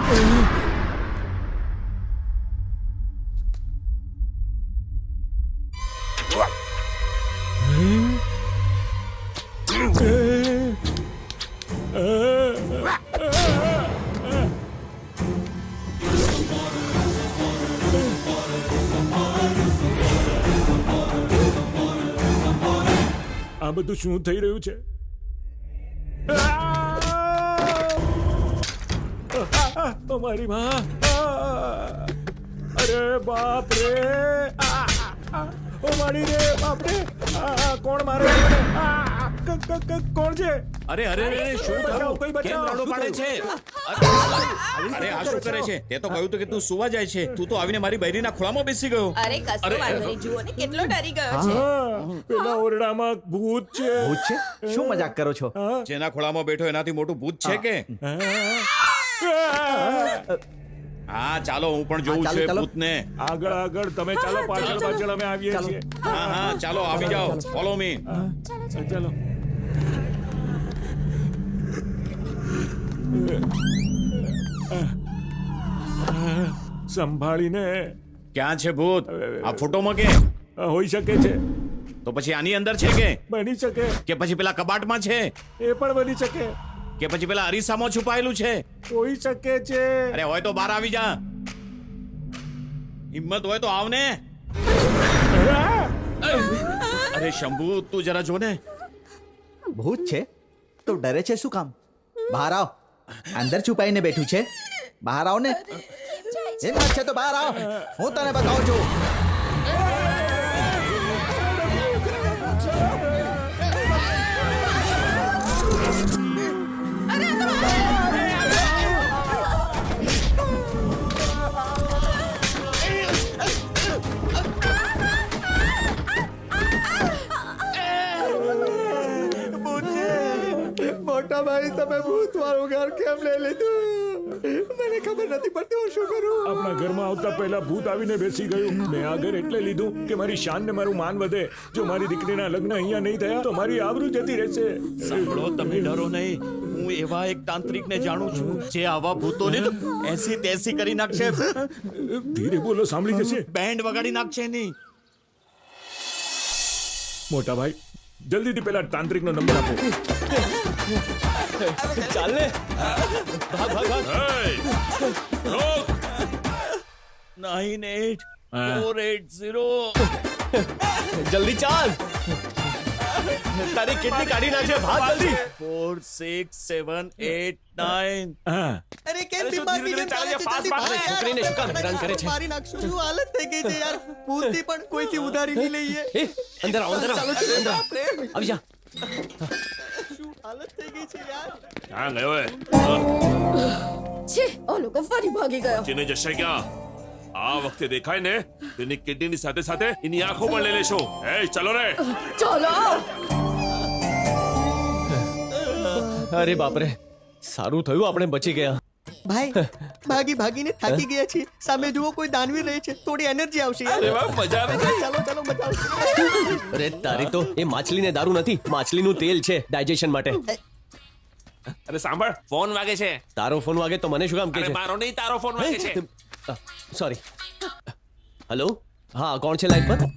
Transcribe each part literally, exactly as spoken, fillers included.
આ બધું શું થઈ રહ્યું છે? ઓ મારી માં! અરે બાપ રે! ઓ મારી રે બાપ રે! કોણ મારે? કોણ છે? અરે અરે અરે શું થયું? કોઈ કેમ બચાવ! રાડો પાડે છે? અરે આ શું કરે છે? તે તો કહ્યું તો કે તું સુવા જાય છે. તું તો આવીને મારી બૈરીના ખોળામાં બેસી ગયો. અરે કશું વાંધો નહીં, જુઓ ને કેટલો ડરી ગયો છે. હા, પેલા ઓરડામાં ભૂત છે. ભૂત છે? શું મજાક કરો છો? જેના ખોળામાં બેઠો એનાથી મોટું ભૂત છે કે? હા ચાલો હું પણ જોઉં હા, ચાલો, છું એ ચાલો. ભૂતને. આગળ આગળ તમે ચાલો, પાછળ પાછળ અમે આવીએ ચાલો. છીએ. હા હા ચાલો આવી જાઓ. Follow me. ચાલો. સંભાળીને. ક્યાં છે ભૂત? આ ફોટોમાં કે? હોઈ શકે છે, તો પછી આની અંદર છે કે? બની શકે, કે પછી પેલા કબાટમાં છે? એ પણ બની શકે, કે પછી પેલા અરીસામાં છુપાયેલું છે? હોઈ શકે છે. અરે હોય તો બહાર આવી જા. હિંમત હોય તો આવ ને. અરે શંભુ તું જરા જો ને. ભૂત છે તો ડરે છે શું કામ? બહાર આવ. અંદર છુપાઈને બેઠું છે, બહાર આવ ને. હિંમત છે તો બહાર આવ, હું તને બતાવું છું. મોટા ભાઈ તમે ભૂત વાળું ઘર કેમ લઈ લીધું? મને ખબર નથી પડતી હું શું કરું. આપણા ઘરમાં આવતા પહેલા ભૂત આવીને બેસી ગયું. મેં આ ઘર એટલે લીધું કે મારી શાન ને મારું માન વધે. જો મારી દીકરીના લગ્ન અહીંયા નહીં થયા તો મારી આબરૂ જતી રહેશે. સાંભળો તમે ડરો નહીં. હું એવા એક તાંત્રિકને જાણું છું જે આવા ભૂતોને તો એસી તેસી કરી નાખશે. ધીરે બોલો, સાંભળી જશે. બેન્ડ વગાડી નાખશે નહીં. મોટા ભાઈ જલ્દીથી પેલા તાંત્રિકનો નંબર આપો. ચાલ ને, ભાગ ભાગ ભાગ. Nine eight four eight zero. જલ્દી ચાલ, તારી કેટલી કાઢી નાખશે, ભાગ જલ્દી. Four six seven eight nine. હા, અરે કેમ અરે શું બીમાર ધીરે ધીરે બીજાને ચાલે છે? ચાલે છે? ફાસ્ટ જલ્દી ફાસ્ટ. ભાગ યાર. છોકરીને શું કામ હેરાન કરે છે? મારી નાખશું. શું હાલત થઈ ગઈ છે યાર. ભૂતથી પણ કોઈથી ઉધારી નહીં લઈએ. એ અંદર આવ, અંદર આવ, અંદર આવ. બાપ રે, આવી જા. શું હાલત થઈ ગઈ છે યાર. ક્યાં ગયો હે? છે ઓ લોકો ફરી ભાગી ગયો. ચીને જશે ક્યાં? આ વખતે દેખાય ને તેની કિડનીની સાથે સાથે એની આંખો પણ લઈ લેશો. એ ચલો રે. ચલો. અરે બાપરે, સારું થયું આપણે બચી ગયા. ભાઈ ભાગી ભાગીને થાકી ગયા છીએ. સામે જુઓ કોઈ દાનવીર રહે છે, થોડી એનર્જી આવશે યાર. મજા આવે છે. ચાલો ચાલો મજા આવશે. અરે તારી તો એ માછલીને દારૂ નથી, માછલીનું તેલ છે ડાયજેશન માટે. અરે સાંભળ, ફોન વાગે છે. તારો ફોન વાગે તો મને શું કામ કે અરે છે? મારો નહીં, તારો ફોન વાગે છે. સોરી. હેલો, હા કોણ છે લાઈન પર?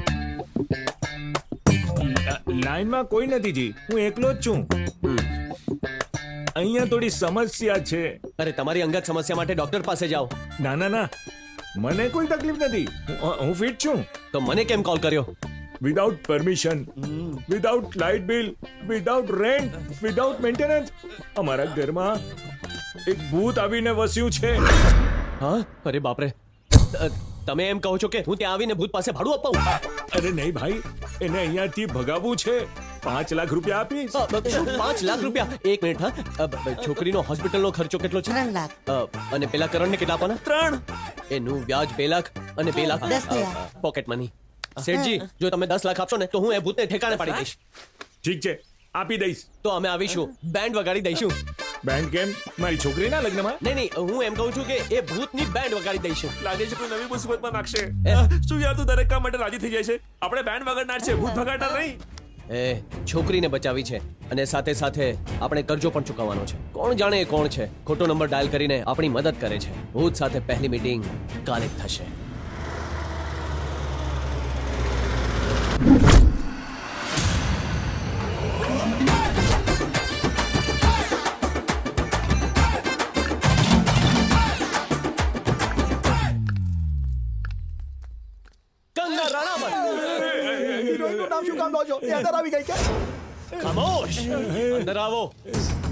લાઈનમાં કોઈ નથી જી, હું એકલો જ છું. અહીંયા થોડી સમસ્યા છે. અરે તમારી અંગત સમસ્યા માટે ડોક્ટર પાસે જાઓ. ના ના ના, મને કોઈ તકલીફ નથી. હું- હું ફિટ છું. તો મને કેમ કોલ કર્યો? Without permission, without light bill, without rent, without maintenance અમારા ઘરમાં એક ભૂત આવીને વસ્યું છે. હા, અરે બાપરે, અ, તમે એમ કહો છો કે હું ત્યાં આવીને ભૂત પાસે ભાડું અપાવું? અરે નહીં ભાઈ, એને અહીંયાથી ભગાવવું છે. પાંચ લાખ રૂપિયા આપીશ. અ, બ- શું પાંચ લાખ રૂપિયા? એક મિનિટ હા. અ, બ- બ- છોકરીનો હોસ્પિટલનો ખર્ચો કેટલો છે? ત્રણ લાખ. અ, અને પેલા કરણને કેટલા આપવાના? ત્રણ. એનું વ્યાજ બે લાખ અને બે લાખ દસ થયા. Pocket money. શેઠજી, જો તમે દસ લાખ આપશો ને તો હું એ ભૂતને ઠેકાણે પાડી દઈશ. ઠીક છે, આપી દઈશ. તો અમે આવીશું, બેન્ડ વગાડી દઈશું. બેંક કેમ? મારી છોકરીના લગ્નમાં? નહીં નહીં, હું એમ કહું છું કે એ ભૂતની બેન્ડ વગાડી દઈશું. લાગે છે કોઈ નવી મુસીબતમાં નાખશે. શું યાર તું દરેક કામ માટે રાજી થઈ જાય છે? આપણે બેન્ડ વગાડનાર છે, ભૂત ભગાડનાર નહીં. એ છોકરીને બચાવી છે અને સાથે સાથે આપણે કરજો પણ ચૂકવવાનો છે. કોણ જાણે એ કોણ છે? ખોટો નંબર ડાયલ કરીને આપણી મદદ કરે છે. ભૂત સાથે પહેલી મીટિંગ કાલે જ થશે. કંગના રણાવત, હિરોઈનનું નામ શું કામ લો છો? એ અંદર આવી ગઈ કે? ખામોશ, અંદર આવો.